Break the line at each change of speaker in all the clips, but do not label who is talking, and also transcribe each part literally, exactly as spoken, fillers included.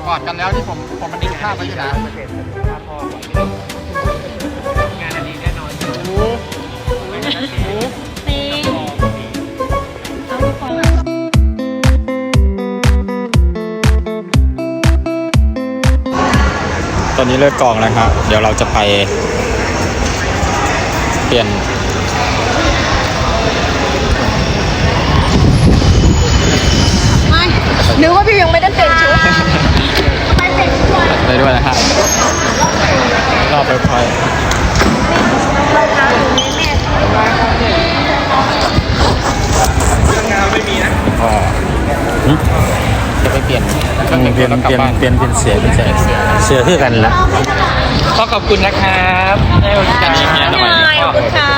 อดกันแล้วที่ผมผมมันดึงภาพไว้อยู่นะ
งานอันนี้แน่นอน
ตอนนี้เลิกกองแล้วครับเดี๋ยวเราจะไปเปลี่ยน
ไม่นึกว่าพี่ยังไม่ได้เปลี่ยนชุดไปเปลี่ยนชุดเลย
ไปด้วยนะฮะรอบไปพอย
รองเท้าอยู่ในแม่
งานไม่มีนะ
อ๋อจะไปเปลี่ยน
เปลี่ยนเปลี่ยนเปลี่ยนเปลี่ยนเป็นเสียเป็นเสียเสือคือกันละ
ก็ขอบคุณนะครับให้บริการอย่างนี้หน่อย
ขอบคุณค่ะ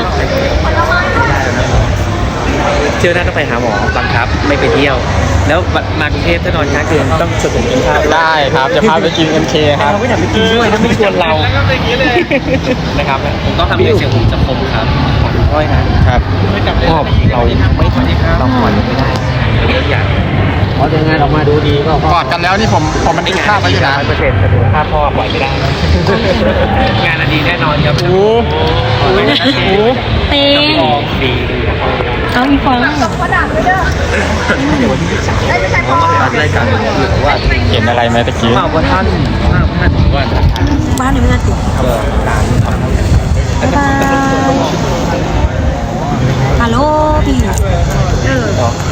เที่ยวหน้าต้องไปหาหมอบังคับไม่ไปเที่ยวแล้วมากรุงเทพถ้านอนค้างคืนต้องชวนผมกินข้าว
ได้ครับจะพาไปกิน เอ็ม เค ครับ
เราไม่อยากไปกินด้วยถ้าไม่ชวนเรานะครับผมต้องทำเสียงผมจะคมครับขอน้อยนะครับชอบเราไม่ทำเราผ่อนไม่ได้เรื่องอย่าง
พอเดินงานออกมาดูดีก็
กอดกันแล้วที่ผมผมมันดึงภาพไว้อยู่นะ
เปอร์เซ็นต์ภาพพ่อปล่อยไม่ได้งานอันนี้แน่นอนครับ
โอ้โห
เต็ง
ลองดี
เอาอีกฟัง
รายการว่า
เห็นอะไรไหมตะกี้
ข้าวท่านข้าวท่านว่า
บ้านหนูไม่น่าติดบ๊ายบายฮัลโหลพี่เออ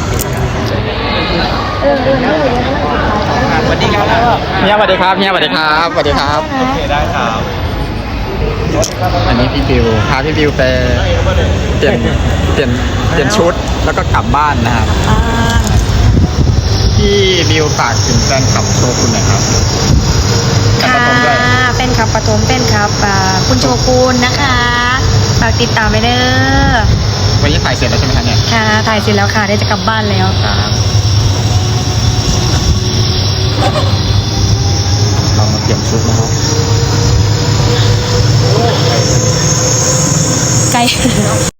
เออเออ
สวัสดีครับ
เฮียสวัสดีครับเฮียสวัสดีครับสวัสดีครับ
โอเคได้ครับ
อันนี้พี่บิวพาพี่บิวไปเปลี่ยนเปลี่ยนเปลี่ยนชุดแล้วก็กลับบ้านนะครับพี่บิวฝากถึงแฟนคลับโชกุนหน่อยครับ
ค่ะเป็นครับปฐมเป็นครับคุณโชกุนนะคะฝากติดตามไปเด้อ
วันนี้ถ่ายเสร็จแล้วใช่ไหมคะเนี่ย
ค่ะถ่ายเสร็จแล้วค่ะได้จะกลับบ้านแล้ว
ครับเรามาเปลี่ยนชุดนะครับ
ไกล